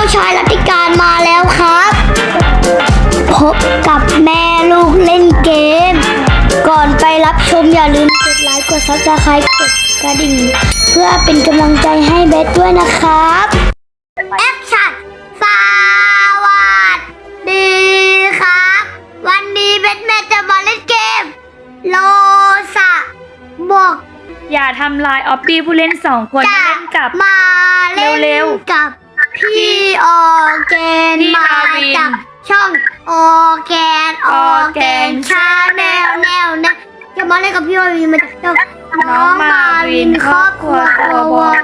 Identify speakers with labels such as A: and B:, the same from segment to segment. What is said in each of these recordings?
A: ชายรัติการมาแล้วครับพบกับแม่ลูกเล่นเกมก่อนไปรับชมอย่าลืมกดไลค์กดซับสไครต์กดกระดิ่งเพื่อเป็นกำลังใจให้เบสด้วยนะครับแอคชั่นสวัสดีครับวันนี้เบสแม่จะมาเล่นเกมโลซาบอก
B: อย่าทำลายออปปี้ผู้เล่น2 คนมาเล่นกับ
A: มาเล่น
B: เร็ว
A: กับพี่ออร์แกน
B: พี่
A: มา
B: มาวิน
A: จากช่องออร์แกนชาแนลนะจะมาเล่นกับพี่ออร์วินมาจากช่องน้องมาวินครอบครัววอ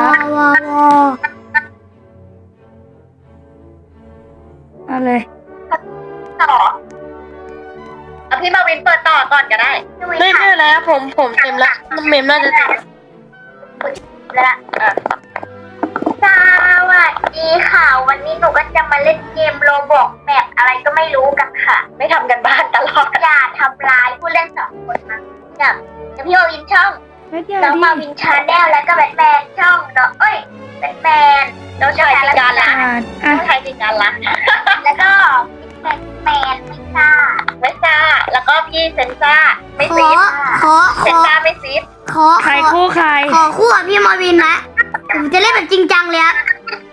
B: เอาเลย
C: ต่อเอาพี่มาวินเปิดต่อก่อนก็ได้ไม่แล้วผมเต็มแล้วเมมน่าจะเต็มแล้วสวัสดีค่ะวันนี้หนูก็จะมาเล่นเกมโรบอกแบบอะไรก็ไม่รู้กันค่ะ ไม่ทำกันบ้านตลอดอย่าทำร้ายผู้เล่น2 คนนะกับพี่มาวินช่องน้องมาวินชาแนลแล้วก็แบทแมนช่องน้องแบทแมนน้องชายสิการละน้องชายสิการละแล้วก็แบทแมนไม่ซ่าแล้วก็พี่เซนซ่าไม่ซีฟเซนซ่าไม่ซีฟ
B: ใครคู่ใคร
A: ขอคู่กับพี่มาวินนะผมจะเล่นแบบจริงจังเลยครับ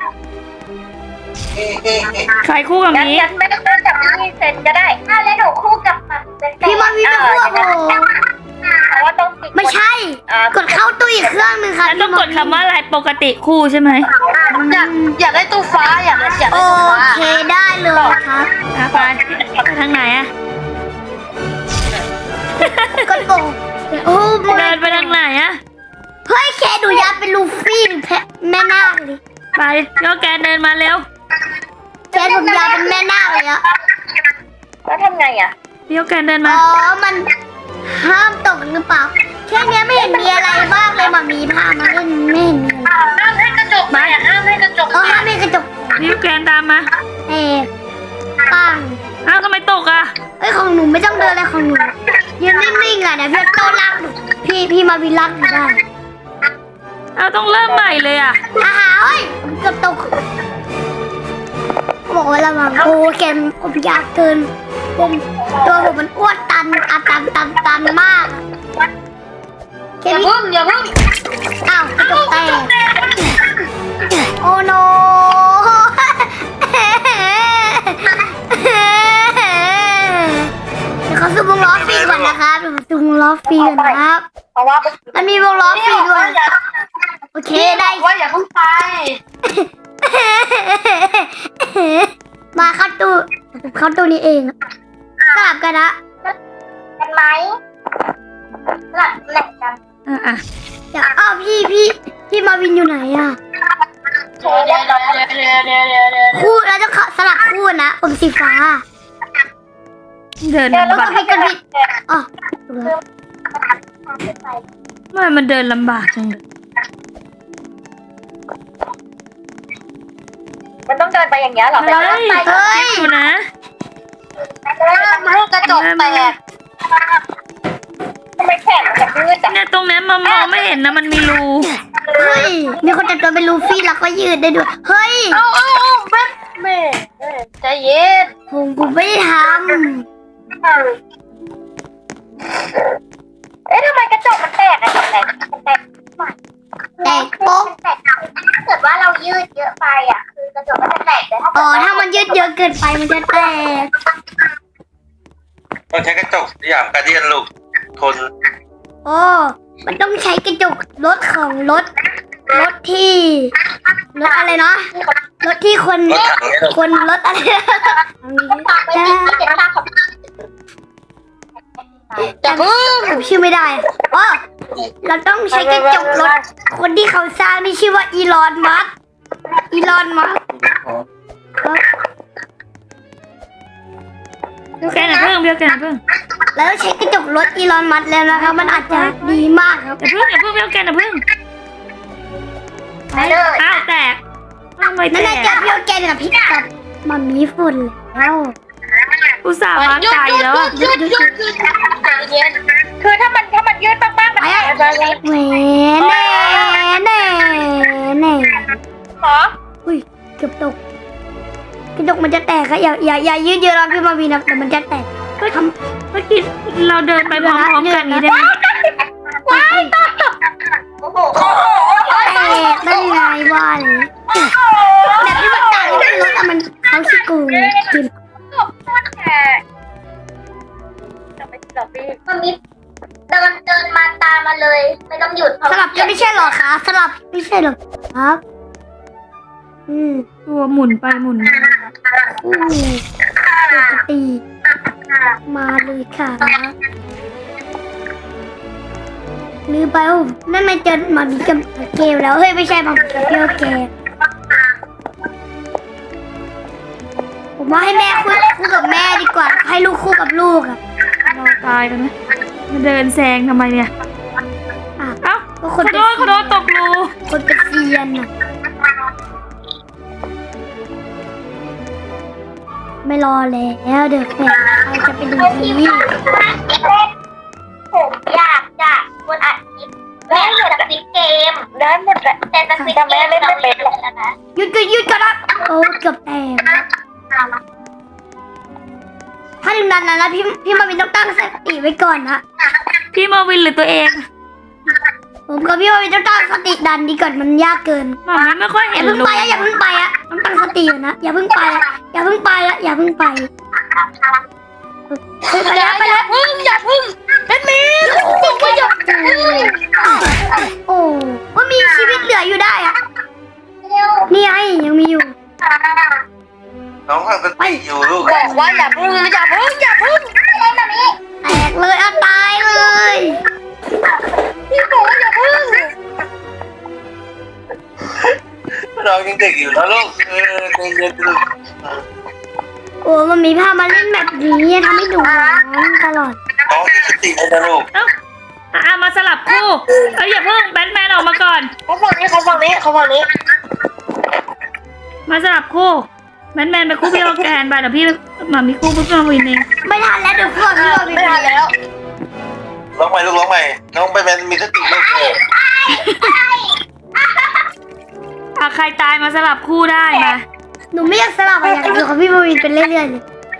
B: ใครคู่กับ
C: งั้น
B: นี้
C: ไม่ต้องเล่นกับพี่เซนก็ได้ถ้าเล่นหนูคู่กับมันเป็น
A: พี่มาวินเป็นคู่กับผม
C: เพราะว่าต้องติด
A: ไม่ใช่กดเข้าตู้อีกเครื่องหนึ่งค่ะ
B: แล้วต้องกดคำว่าอะไรปกติคู่ใช่ไหม
C: อยากได้ตู้ฟ้าอยากได้
A: โอ
C: ตู้ฟ้า
A: เคได้เลยครับ
B: ไปทางไหนอะ
A: กดปุ่มโอ้
B: เดินไปทางไหนอะ
A: เฮ้ยแค่ดูยาเป็นลูฟี่หรือแม่นาคเลย
B: ไปโยแกนเดินมาเร็ว
A: แค่ผมยาเป็นแม่นาคเลยอะ
C: แล้วทำไงอ่ะ
B: โยแกนเดิน
A: อ๋
B: มา
A: อมันห้ามตกหรือเปล่าแค่เนี้ยไม่เห็นมีอะไรบ้างเลยมามีพามาเล่นไม่เห็นมีอะไร
C: ห้ามให้กระจกมาห้ามให้กระจก
A: ห้ามให้กระจก
B: โยแกนตามมา
A: เอ๊ปัง
B: อ้าวทำไมตกอะ
A: เอ้ยของหนูไม่ต้องเดินเลยของหนูยืนนิ่งๆอ่ะเดี๋ยวพี่โตลากหนูพี่มาวินลากหนูได้
B: อ้าวต้องเริ่มใหม่เลยอะ
A: เฮ้ยเกือบตกบอกว่าระวังโอ้แกมผมยากเกินผมตัวผมมันอ้วนตันมากแค่
C: อย่า
A: นี้
C: เพิ่ง
A: อ้าวกระจกแตกโอ้โนเดี๋ยวเขาซูมวงล้อฟรีก่อนนะครับเดี๋ยวซูมวงล้อฟรีก่อนนะครับ
C: เพราะว่า
A: มันมีวงล้อฟรีด้วยโอเคได้
C: ว่าอย่าเพิ่งไป
A: มาเข้าตู้นี้เองสลับกันนะ
C: กันไหมหลับแหลกกัน
B: อ่ะ
A: เดี๋ยวอ้าวพี่มาวินอยู่ไหนอ่ะ
C: เดี๋ยว
A: คู่เราจะสลับคู่นะผมสีฟ้า
B: เดิน
A: แล้ว
B: ลำ
A: ก็
B: บาก
A: พี่กระพริบอ๋อ
B: ไม่มันเดินลำบากจังเลย
C: มันต้องเดินไปอย่างเงี้ยหรอ
B: เฮ้ยคิดดูนะ
C: มันกระจกแตกทำไมแขนจะยืดอ่ะ
B: เนี่ยตรงนี้มองไม่เห็นนะมันมีรู
A: เฮ้ยมีคนแต่งตัวเป็นลูฟี่แล้วก็ยืดได้ด้วยเฮ้ย
C: แม่ใจเย็น
A: ผมไม่ได้ท
C: เอ๊ะทำไมกระจกมันแตกอะทำไงมันแตก
A: ำแตกโป๊ก
C: ถ้าเกิดว่าเรายืดเยอะไปอ่ะคือกระจกมันจะแตกแต่ถ้า
A: อ๋อถ้ามันยืดเยอะเกินไปมันจะแตก
D: ต้องใช้กระจกสยามการเดียนลูกทน
A: โอ้มันต้องใช้กระจกรถของรถที่รถอะไรเนาะรถที่คน
D: รถถังเนี่ยลูก
A: คนรถอะไร
C: ปากไม่ติดไม่เจ็บตาของ
A: แต่ผมชื่อไม่ได้อ๋อเราต้องใช้กระจกรถคนที่เขาสร้างที่ชื่อว่าอีลอนมัส
B: โยแกนอย่าเพิ่งโยแกนอย่าเพิ่ง
A: แล้วใช้กระจกรถอีลอนมัสแล้วนะครับมันอาจจะดีมากครับ
B: อย่าเพิ่งโยแกนอย่าเพิ่ง
C: ไปเลย
B: อ้าวแตกทำไมแต
A: นั่นน่ะ
B: ก
A: จะพี่โอแกนกับพี่กับมัมมี่ฝุ่นแล้ว
B: อุตส่าห์วางใจแล้วอะ
C: ยืดใจเย็นคือถ้ามันยืดมากๆมันแตกเลย
A: แหวนแน่
C: หมอ
A: อุ้ยเกือบตกระจกมันจะแตกอะอย่ายืดเยอะนะพี่มาวีนะเดี๋ยวมันจะแตกทำ
B: เมื่อกี้เราเดินไปพร้อมๆกันนี้ได้ไหม
C: โอ้โห
A: แตกได้ไงว่าเลยแบบที่มันแตกที่มันรถอะมันเขาชิโกงจริง
C: จะไปหลบพี่มันมีเดินมาตามมาเลย ไม่ต้องหยุด
A: สลับกันไม่ใช่หรอคะสลับไม่ใช่หรอครับ
B: ตัวหมุนไปหมุนมา
A: ปกติมาเลยค่ะลืมไปโอ้นั่นไม่เจอมามีกับเกลแล้วเฮ้ยไม่ใช่มามีกับเกลผมว่าให้แม่คู่กับแม่ดีกว่าให้ลูกคู่กับลูกอะ
B: เราตายกันนะมาเดินแซงทำไมเนี่ย
A: อ่ะ
B: เอ้า
A: ก็ค
B: ขอน โทษขอโทษตกรู
A: คนเป็นเซียนอะไม่รอแล้วเดี๋ยวแฟนใครจะไปดูดี
C: ผมอยากจะคนอัดคลิปแม่อยากคลิปเกมได้หมดแหละแต่สคริปต์แม่เล่นไม่เป็นแล้วนะ
A: หยุดก่อนนะโอ้เกือบแตกถ้าถึงนั้นนะพี่มาวินต้องตั้งสติไว้ก่อนนะ
B: พี่มาวินหรือตัวเอง
A: ผมกับพี่มาวินต้องตั้งสติดันดีก่อนมันยากเกิน
B: หมาไม่ค่อย
A: อ
B: เห็น
A: ย่าเพิ่ง
B: รู
A: ไปอะอย่าเพิ่งไปอะต้องตั้งสติอยู่นะอย่าเพิ่งไปอะอย่าเพิ่งไปอะอย่าเพิ่งไปไปแล้ว
C: อย่าพึ่งเป็นมีผมก็อย่า
A: โอ้ว่ามีชีวิตเหลืออยู่ได้อะนี่ไงยังมีอยู่
D: น้องฟังสติอยู่ลูก
C: บอกว่าอย่าพึ่งอะไรแบบนี้
A: แตกเลยอะตายเลย
C: พี่บอกว่าอย่าพึ่ง
D: น้องยังเด็กอยู่นะลูกใจเย็นลูก
A: โอ้มันมีภาพมาเล่นแบบนี้ทำให้หนูร้อนตลอด
D: น้องมีสติให้นะลูก
B: เอ้ามาสลับคู่เอาอย่าเพิ่งแบทแมนออกมาก่อน
C: เขาฝั่งนี้
B: มาสลับคู่แบทแมนไปคู่พี่ออร์แกนไปเดี๋ยวพี่มามีคู่พี่มาวินเอง
A: ไม่ทันแล้วเดี๋ยวพวกพี่มาวิน
C: ไม่ทันแล้ว
D: ร้องใหม่ลูกร้องใหม่น้องไปเป็นมีสติลูก
B: ใครตายมาสลับคู่ได้มา
A: หนูไม่อยากสลับอะอยากอยู่กับพี่มาวินเป็นเรื่อยๆเลย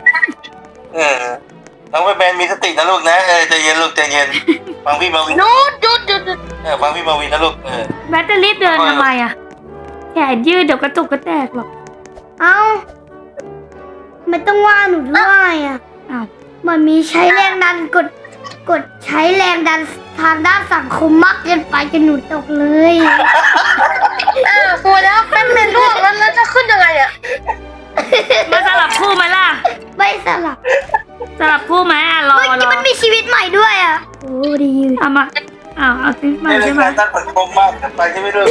D: น้องไปเป็นมีสตินะลูกนะใจเย็นลูกใจเย็นฟังพี่มาวิน
C: หยุด
D: ฟังพี่มาวินนะลูก
B: แบทจะรีบเดินทำไมอะแขนยืดเดี๋ยวกระตุกกระแตกหรอก
A: เอ้าไม่ต้องว่าหนูด้วยอ่ะ
B: อ้าว
A: มันมีใช้แรงดันกดใช้แรงดันทางด้านสังคมมากเกินไปจนหนูตกเลย
C: สวยแล้วเป็นร่วงแล้วจะขึ้นยังไงอ่ะ
B: มาสลับคู่ไหมล่ะ
A: ไม่สลับ
B: สลับคู่ไหมรอ
A: เมื่อกี้มันมีชีวิตใหม่ด้วยอ่ะโอ้ดี
B: เอามาเอาติ๊กมา
D: ใน
B: ใช่ไหม
D: การตั้งสังคมมากไปใช่ไหมลูก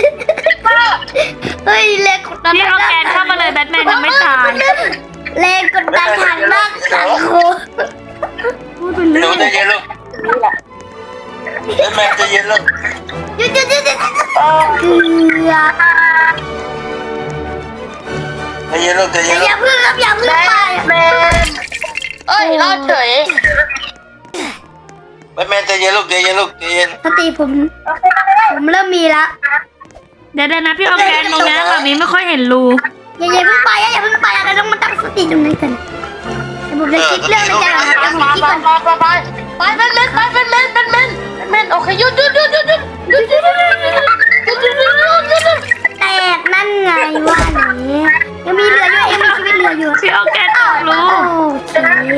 A: เฮ้ยแรงกดดัน
B: พี่เอาแกนเข้ามาเลยแบทแมนยังไม่ตาย
A: แรงกดดันทางด้านสังคม
B: พูดเป็น
D: หนู
B: เรื่อง
D: ใจเย็นลูกแม่ใจเย็นลูก
A: หยุดเกือบ
D: ใจเย็นลูกใจ
A: อ
D: เย็นลู
A: ย่าก เพิ่งครับอย่าเพิ่งไป
C: แม่เอ้ยรอดเฉย
D: แม่ใจเย็นลูกใจเย็นลูกใจเย็น
A: สติผมเริ่มมีละ
B: เดี๋ยวนะพี่เอาแกนตรงนี้แบบนี้ไม่ค่อยเห็นรู
A: อย่าเพิ่งไปอย่าเพิ่งไปเราต้องมาตั้งสติตรงนี้กันแต่ผมจะคิดเรื่องในใจก่อนครับผมคิดก่อน
C: ไปเป็นโอเคหยุด
A: แตกนั่นไงว่านี้ยังมีเหลืออยู่ยังมีชีวิตเหลืออยู่
B: พี่เอาแกนตกรู
A: โอเค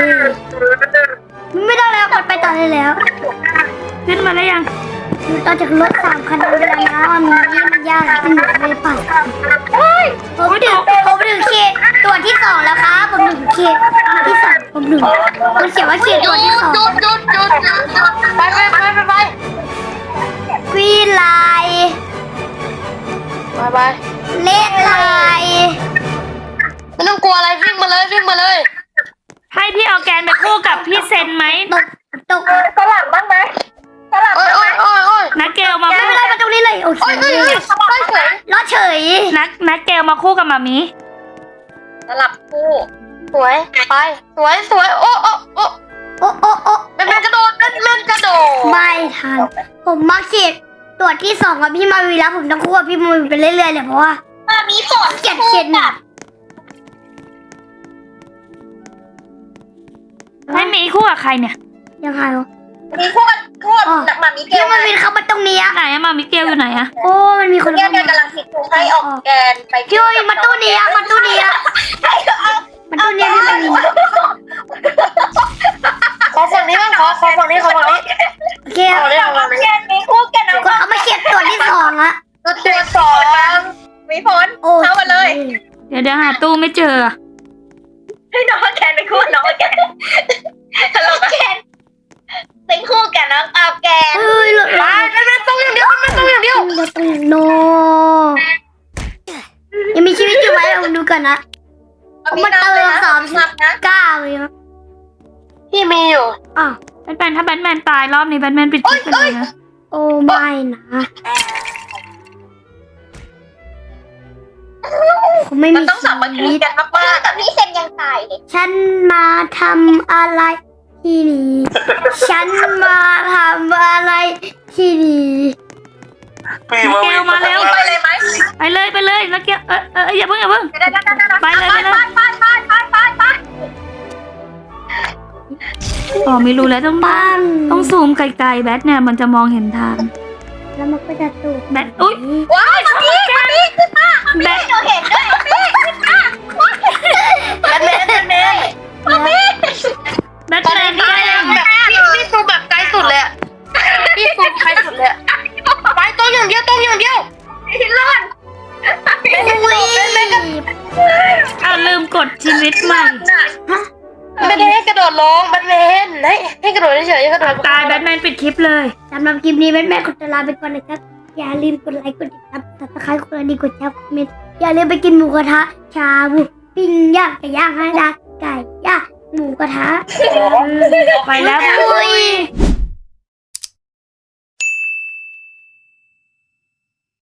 A: ไม่ต้องแล้วกดไปต่อได้แล้ว
B: ขึ้นมาได้ยัง
A: ต่อจากรถ3 คันไปแล้วนะวันนี้มันยากที่หนูไม่ปั่นผมถึงเขตตัวที่2แล้วครับผมถึงเขตที่2ผมเขียนว่าเขตตัวที่2
C: หยุดไป
A: กรีนไลน์
C: ไป
A: เลดไลน์
C: ไม่ต้องกลัวอะไรวิ่งมาเลย
B: ให้พี่เอาแกนไปคู่กับพี่เซนไหม
A: ตก
C: สลับบ้างไหมโอ้ย
B: นักเกลมา
A: ไม่
B: คู่
A: เป็นไรมาตรงนี้เลยโอเครอดเฉย
B: นักเกลมาคู่กับมามิ
C: สลับคู่สวยไปสวยโอ้
A: โอ้
C: เป็นกระโดด
A: ไม่ทันผมมาเขตตัวที่2กับพี่มาวีแล้วผมต้องคู่กับพี่มาวีไปเรื่อยๆเลยเพราะว่า
C: มีสอน
A: เขตหนึ่ง
B: ให้หมีคู่กับใครเนี่ย
A: ยังไงวะ
C: มีคู่กับหมามิเก
A: เดี๋ย
C: ล
A: วมันมีเข้ามาตรงนี้อะ
B: ไหนอะมามิเกลอยู่ไหนอะ
A: โอ้มันมีคน
C: เนี่ย
A: เข้า
C: เนี่ย
A: มาก
C: ำลังคิดถูกให้ออกแกนไป
A: พี่โอ้ยมาตู้นี้อะมาตู้นี้อะมาตู้นี้ที่มันมี
C: ขอฝั่งนี้บ้างขอฝั่งนี้
A: โอเค
C: เอาเลยเอาเลยแกนมีคู่แกนเอา
A: กดเข้ามาเขียนตัวที่สองอะ
C: ตัวสองมีผล
A: โอ้
C: เข้ามาเลย
B: เดี๋ยวหาตู้ไม่เจออะ
C: ให้น้องแกนไปคู่น้องแกนฮัลโหลแกนเป็นคู่แกนน้องเอาแกน
A: เฮ้ยหลุด
C: ไปไม่ต้องอย่างเดียวไม่ต้องอย่างเดียว
A: โนยังมีชีวิตอยู่ไหมเอาดูก่อนนะ มันเติม39เลยนะ
C: พี่มีอยู่
A: อ้าว
B: แบทแมนถ้าแบทแมนตายรอบนี้แบทแมนปิดคลิปไปเลยนะ
A: โอ้ไม่นะผมไม่
C: มัน
A: มี
C: ต้องสามัคคี
A: ชีวิต
C: กันมากๆกับพี่เซนยังตายเลย
A: ฉันมาทำอะไรที่นี่ ฉันมาทำอะไรที่นี่
D: พี่มาวิน
B: มาเร็ว
C: ไปเลยไหม
B: ไปเลยแล้วเกียวอย่าเพิ่ง ไปเลย
C: ไป
B: อ๋อไม่รู้แล้วต้องซูมไกลๆแบทเนี่ยมันจะมองเห็นทาง
A: แล้วมันก็จะตูด
B: แบทอุ้ย
C: ว้าวมาพี่ขึ้นมา
B: แบท
C: หนูเห็นด้วยพี่ขึ้นมาแมน
B: แบทแมนแกล้ง
C: พี่ซูแบบไกลสุดเลยพี่ซูไกลสุดเลยไปต้นอย่างเดียวพี่รอด
A: อุ้ย
B: เอาลืมกดชีวิตใหม่
C: แบทแมนให้กระโดดลงแบทแมนให้กระโดดเฉยๆกระโดด
B: ตายแบทแมนปิดคลิปเลย
A: สำหรับคลิปนี้แม่ขอตัวลาไปก่อนนะครับ อย่าลืมกดไลค์กดติดตามกดซับสไครต์กดกระดิ่งกดแชร์คอมเมนต์อย่าลืมไปกินหมูกระทะชาบูปิ้งย่างไก่ย่างฮาดาไก่ย่างหมูกระทะ
B: ไปแล้ว
A: อุ้ย